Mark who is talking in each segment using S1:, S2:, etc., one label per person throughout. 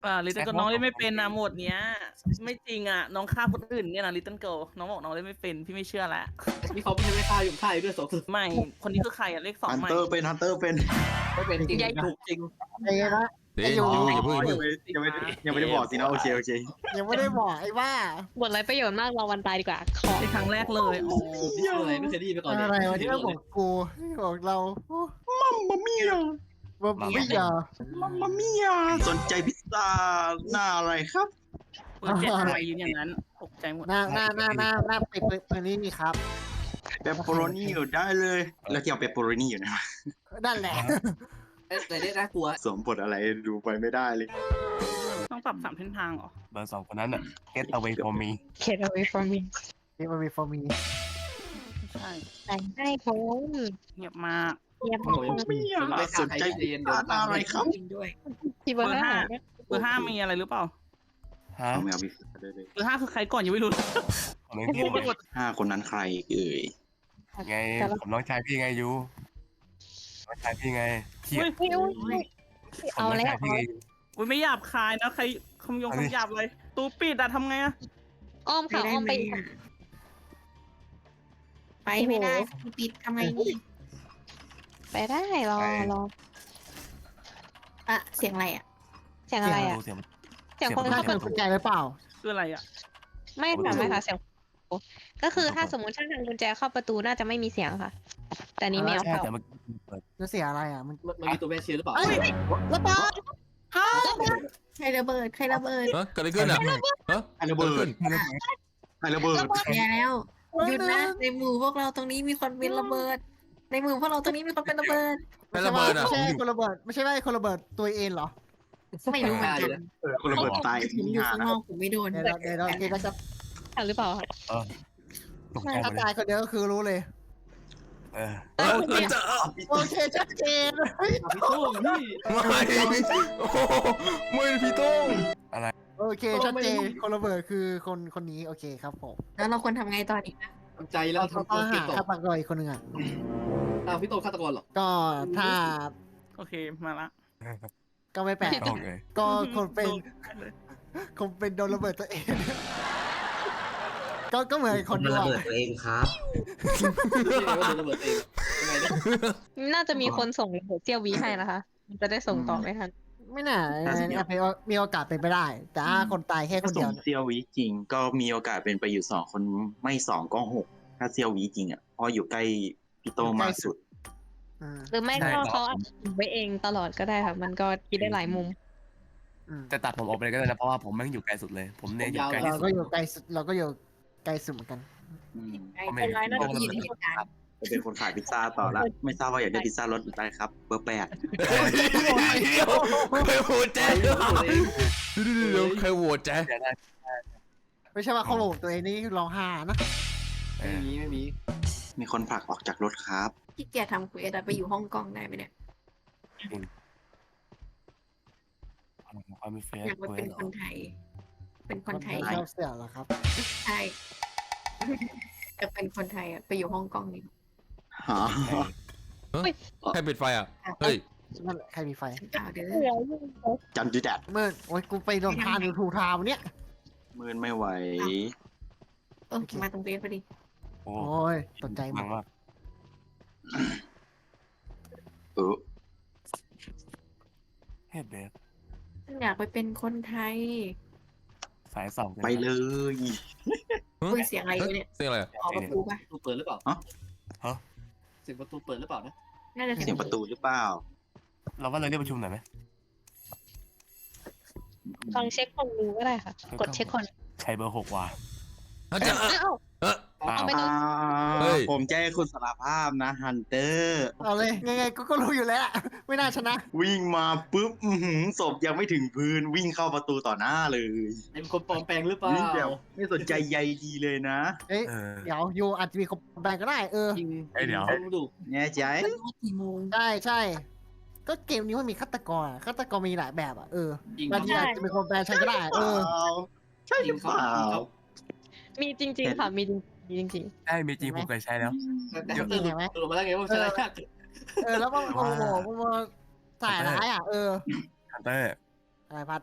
S1: ลิตเติ้ลก็น้องเล่นไม่เป็นนะหมดเนี้ยไม่จริงอ่ะน้องฆ่าคนอื่นเนี่ยนะลิตเติ้ลเกิลน้องบอกน้องเล่นไม่เป็นพี่ไม่เชื่อแล้ว
S2: มีเขาไม่ใช่ไม่ฆ่าอยู่ฆ่าอยู่ด้วยสอง
S1: ไม่คนนี้คือใครอ่ะเลขสอง
S3: ฮัน
S1: ใหม่
S3: เตอร์เป็นฮันเตอร์เป็น
S2: ไม่เป็นจริง
S1: ใหญ่ถูกจริง
S4: ไอ้นะ
S5: เดี๋ยวอย่าเพิ่ง
S3: ยังไม่ได้บอกสินะโอเคโอเค
S4: ยังไม่ได้บอกไอ้ว่า
S6: บทไรประโยชน์มากรอวันตายดีกว่าขอ
S1: ในครั้งแรกเลยอ๋อ
S2: นี่คืออะไรไม่เคยได้ยินมาก่อนเลย
S4: อะไรวะที่เราบอกกูบอกเรา
S3: มัมมามี่
S4: ว่าไม่อยา
S3: มัมมามี่สนใจพิซซ่าหน้าอะไรครับ
S1: เปิดเจ็ดทำไมยืนอย่างนั้นตกใจหมด
S4: หน้าไปปืนนี้นี่ครับ
S3: เปปเปอโรนี่อยู่ได้เลย แล้วที่เอาเปปเปอโรนี่อยู่นะ
S4: นั่นแหละ
S2: แต่เนี่ยน่ากลัว
S3: สวมบทอะไรดูไปไม่ได้เลย
S1: ต้องปรับ3 เส้นทางเหรอ
S5: เบอร์ 2คนนั้นอ่ะ get away from me
S6: เขต away from me
S4: นี่มันมีฟอร์มี
S1: ไม่ใช่
S6: แต่งให้ผม
S1: เงียบมาก
S6: เงียบ
S2: โอ้ยไม่ฆ่าใครเรียนเดี๋ยวตามอะไรครับ
S3: ด้วย
S6: ที่เบอร์ห้า
S1: เบอร์5มีอะไรหรือเปล่า
S5: ฮะ
S3: เอาไม่เอาพิซซ่าเลย
S1: เบอร์5คือใครก่อนยังไม่รู้เลย
S5: ของน้อง
S1: ง
S5: พี่
S1: งไปหมด
S3: 5 คนนั้นใครเอ่ย
S5: ไงผมน้องชายพี่ไงยูน้องชายพี่ไงเขียด
S6: เอาแล้ว
S5: น้งชยพี่ไง
S1: อุ้ยไม่หยาบคายนะใครคำหยาบเลยตูปิดอะทำไงอะ
S6: อ้อมค่ะอ้อมไป
S7: ไปไม่ได้ปิดทำไงนี่
S6: ไปได้รอ
S7: อะเสียงอะไรอะ
S6: เสียงอะไรอ่ะ
S5: เสียง
S6: เสียงคน
S4: น่า
S6: เข้า
S4: สนใจหรือเปล่า
S1: คืออะไรอะ
S6: ไม่ค่ะไม่ค่ะเสียงก็คือถ้าสมมติถ้าทางกุญแจเข้าประตูน่าจะไม่มีเสียงค่ะ แต่นี้ไม่เอา
S5: ใช่
S6: เข้า
S5: แต่เมื่อกี้เปิด
S4: จะเสียอะไรอ่ะมัน
S2: มันมีตัวแม่เชียร์หรือเปล่า
S4: เอ้ยระเบิด
S7: ใครระเบิดใครระเบิด
S5: เฮ้ยเกิดอะไรขึ้นอ่ะฮะ
S3: ไอ้ระเบิดไอ้ระเบิด
S7: อย่าแล้วหยุดนะในหมู่พวกเราตรงนี้มีคนเป็นระเบิด ในหมู่พวกเราตรงนี้มีคนเป็นระเบิด
S5: ไอ้ระเบิดอ่ะ
S4: ไม่ใช่คนระเบิดไม่ใช่ว่าคนระเบิดตัวเองเหรอ
S7: ไม่รู้เหมือนกัน
S3: คนระเบิดตาย
S7: ผมอยู่ข้างนอกผมไม่โดน
S4: เดี๋ยวจะ
S6: หรือเปล่าคะ
S5: ตกใจหม
S4: ถ้า
S5: ดเล
S4: ตาย
S5: ย
S4: คนเดียวก็คือรู้เลย
S5: เออ
S4: โอเคชัดเจน
S2: พี่โต้งพี่
S5: ไม่โอ้โหไม่พี่โต้งอะไร
S4: โอเคชัดเจนคนระเบิดคือคนนี้โอเคครับผม
S7: แล้วเราควรทำไงต่อดีนะ
S2: ทำใจแล้ว
S4: เขา
S2: ทำตั
S4: ต้อ
S2: ว
S4: ง
S2: เก็
S4: หา
S2: บตก
S4: ฆาตกรอีกคนหนึ่งอ่ะ
S2: พี่โต้งฆาตกรหรอ
S4: ก็ถ้า
S1: โอเคมาละ
S4: ก็ไม่แปลก
S5: โอเค
S4: ก็คนเป็นโดนระเบิดตัวเอง ก็เหมือนคน
S8: มัน
S4: ดู
S8: ระ
S4: อะ
S8: เบิดตัวเองครับ
S2: พี่ว่าโดนระเบิดเองยังไงเนี่ย
S6: น่าจะมีคนส่งระเบิดเซี่ยววีให้นะคะ มันจะได้ส่งต่อไม่ทัน
S4: ไม่น่ามีโอกาสเป็นไปได้ แต่ถ้าคนตายแค่ค
S3: ถ้าน
S4: เดี
S3: ส่
S4: ยว
S3: งเซียววิจริง ก็มีโอกาสเป็นไปอยู่2 คนไม่2ก็6ถ้าเซียววิจริงอ่ะเพราะอยู่ใกล้พี่โตมากสุด
S4: อืม
S6: หรือไม่ก็เขาอาจจะไว้เองตลอดก็ได้ค่ะ มันก็คิดได้หลายมุม
S5: แต่ตัดผมออกไปเลยก็ได้นะเพราะว่าผมแม่งอยู่ไกลสุดเลย ผมเนี่ยอยู่ไกลที่
S4: เรา
S5: สุด
S4: ก็อยู่ไกลสุดเราก็อยู่ไกลสุดเหมือนกัน
S7: เป็นไรน่าจะอยู่ในเหตุการณ์
S3: จะเป็นคนขายพิซซ่าต่อละไม่ทราบว่าอยากได้พิซซ่ารสอะไรครับเบอร์8
S5: ใครโหวตแจ๊เดี๋ยวใครโหวตแจ๊
S4: ไม่ใช่ว่าเขาโหลดตัวเองนี่ร้องไห้นะ
S2: ไม่มี
S3: มีคนผลักออกจากรถครับ
S7: ที่เกียรทำคุยไปอยู่ห้องกล้องได้ไหมเนี่ย
S5: ความมีเฟซ
S7: อยากไปเป็นคนไทย เป็นคนไทย
S4: ชอบเสียเหรอครับ
S7: ใช่จะเป็นคนไทยอะไปอยู่ห้องกล้องนี่
S3: หา
S5: ใครปิดไฟอ่ะ เฮ้ย
S4: นั่นแหละใครมีไฟ
S7: ข่าวเด้อ
S3: จันดูแดด
S4: เมื่อโอ้ยกูไปโดนทานอยู่ถูกทางเนี่ย
S3: มืนไม่ไหว
S7: มาตรงเบสพอดี
S5: โอ้
S4: โอ้ยตกใจหม
S5: มั
S4: ด
S5: งมาก
S3: เออ
S5: เฮ้ยเบส
S7: ฉันอยากไปเป็นคนไทย
S5: สายสอง
S3: ไปเลย
S7: คุยเสียงอะไรอยู่เนี่ย
S5: เสียงอะไร
S7: ออกประตูปะ
S2: ประตูเปิดหรือเปล่าเสียงประตูเปิดหรือเปล่านะ
S7: น่าจะ
S3: เสียงประตูหรือเปล่า
S5: เราว่าเราเรียกประชุมหน่อยไหม
S6: ลองเช็คคนดูก็ได้ค่ะ กดเช็คคน
S5: ใช้เบอร์ 6 ว่ะ
S6: อ้าว
S5: อ้าว
S6: เอาไปดู
S5: เฮ้ย
S3: ผมแจ้งคุณสารภาพนะฮันเตอร์
S4: เอาเลยไงๆก็รู้อยู่แล้วไม่น่าชนะ
S3: วิ่งมาปุ๊บศพยังไม่ถึงพื้นวิ่งเข้าประตูต่อหน้าเลย
S2: เป็นคนปลอมแปลงหรือเปล่า
S3: วิ่งแบบไม่สนใจใยดีเลยนะ
S4: เอ้ย
S5: เออ
S4: เดี๋ยวยูอาจจะมีคนแบ่งก็ได้
S2: จริง
S5: เดี๋ยว
S2: ต้องดู
S3: แน่ใจ
S7: กี่โมง
S4: ใช่ก็เกมนี้มันมีฆาตกรฆาตกรมีหลายแบบอ่ะ
S2: จริง
S4: บางทีอาจจะเป็นคนแปลใช้ก็ได้
S3: ใช่หรือเปล่า
S6: มีจริง ๆ ค่ะ มีจริง
S5: ได้มีจริงผมเคยใช้แล้ว
S2: แต่ตื่นตื่นมาแล้วไงว่าใช่ยาก
S4: แล้วมันโอ้โหมันสายร้ายอ่ะ
S5: ฮันเตอร์
S4: อะไรพัด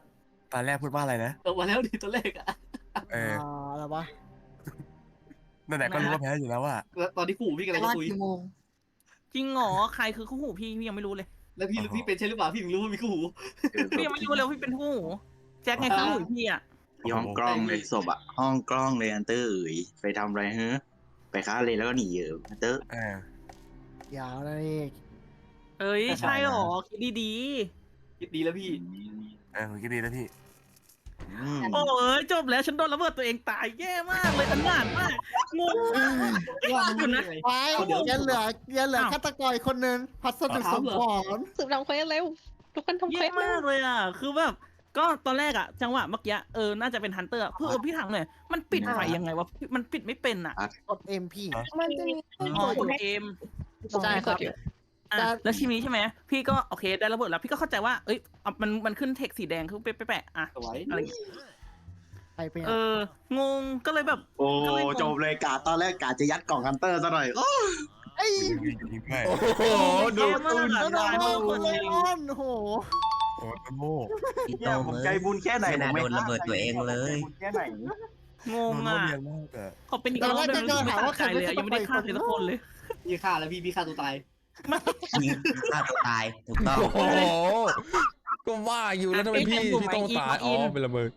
S5: ตอนแรกพูดว่าอะไรนะ
S2: มาแล้วดิตัวเลขอะ
S5: เออ
S4: อะไรวะ
S5: นั่นแหละก็รู้ว่าแพ้อยู่แล้วว่า
S2: แล้วตอนที่ขู่พี่กำลัง
S7: รอ
S2: จะ
S7: ด
S2: คุย
S7: กี่โมง
S1: จริงเหรอใครคือคู่หูพี่ยังไม่รู้เลย
S2: แล้วพี่เป็นใช่หรือเปล่าพี่ถึงรู้ว่ามีคู่หู
S1: พี่ยังไม่รู้เลยว่าพี่เป็นคู่หูแจ็คไงคู่หูพี่อ่ะ
S3: ที่ห้องกล้องเลยศพอะห้องกล้องเลยอันเตอร์เอ๋ยไปทำอะไรเฮ้ไปฆ่าเลยแล้วก็หนีอันเตอร์
S5: เออ
S4: ยาวเลย
S1: เอ้ยใช่เหรอคิดดี
S2: คิดดีแล้วพี่
S5: ผมคิดดีแล้วพี่
S1: ๆโอ้ยจบแล้วฉันโดนระเบิดตัวเองตายแย่มากเลยอันหนานมากงงมาก
S2: ว่ามัน
S1: นะ
S2: ไง
S4: ไปยังเหลือฆาตกรอีกคนนึงพัสดุสมพร
S6: สืบทำเควสเร็วทุกคนทำเคว
S1: แย่
S6: สเร็
S1: มาว กเลยอ่ะคือแบบก็ตอนแรกอ่ะจังหวะเมื่อกี้น่าจะเป็นฮันเตอร์เพื่อพี่ถามหน่อยมันปิดไฟยังไงวะมันปิดไม่เป็นอ่ะ
S4: กด MP
S7: มันจะมี
S1: อ๋อกดเกม
S4: ใช่ครับ
S1: อ่ะแล้วทีนี้ใช่ไหมพี่ก็โอเคได้ระเบิดแล้วพี่ก็เข้าใจว่าเอ้ยมันขึ้นเทคสีแดงคือแปะอ่ะ
S2: สวย
S1: อะไรอย่างเงี้ย
S4: ไปเป็น
S1: งงก็เลยแบบ
S3: โอ้จบเลยกาตอนแรกกาจะยัดกล่องฮันเตอร์ซะหน่อยโอ้
S4: ไอ้
S5: ยิงด้วย
S3: โหดู
S1: แย่มากอ่ะ
S4: แล้ว
S1: ตาย
S4: โด
S1: มาก
S4: น
S1: คน
S4: เล
S1: จริง
S4: ออนโอ้โห
S5: โอ้ต้นโม่
S8: พี่โต
S3: เนี่ยผม
S8: เอ้
S3: ใจ
S8: ย
S3: บุญแค่ไหน
S8: ไม่น่า
S3: ผมไม่
S8: โดนระเบิดตัวเองเลย
S3: ใจบุญแค่ไหน
S1: งง
S5: โดนโม่
S1: อ่ะ
S5: เรียนมากอะ
S1: ขอเป็นอีกรอบได้ไหมไม่ฆ่าใครเลยอะยังไม่ได้ฆ่าใครสักคนเลย
S2: พี่ฆ่าแล้วพี่ฆ่าตัวตาย
S8: ยิงฆ่าตัวตายถูกต้อง
S9: โอ้โหก็ว่าอยู่แล้วทำไมพี่ต้องตายอ๋อเป็นระเบิด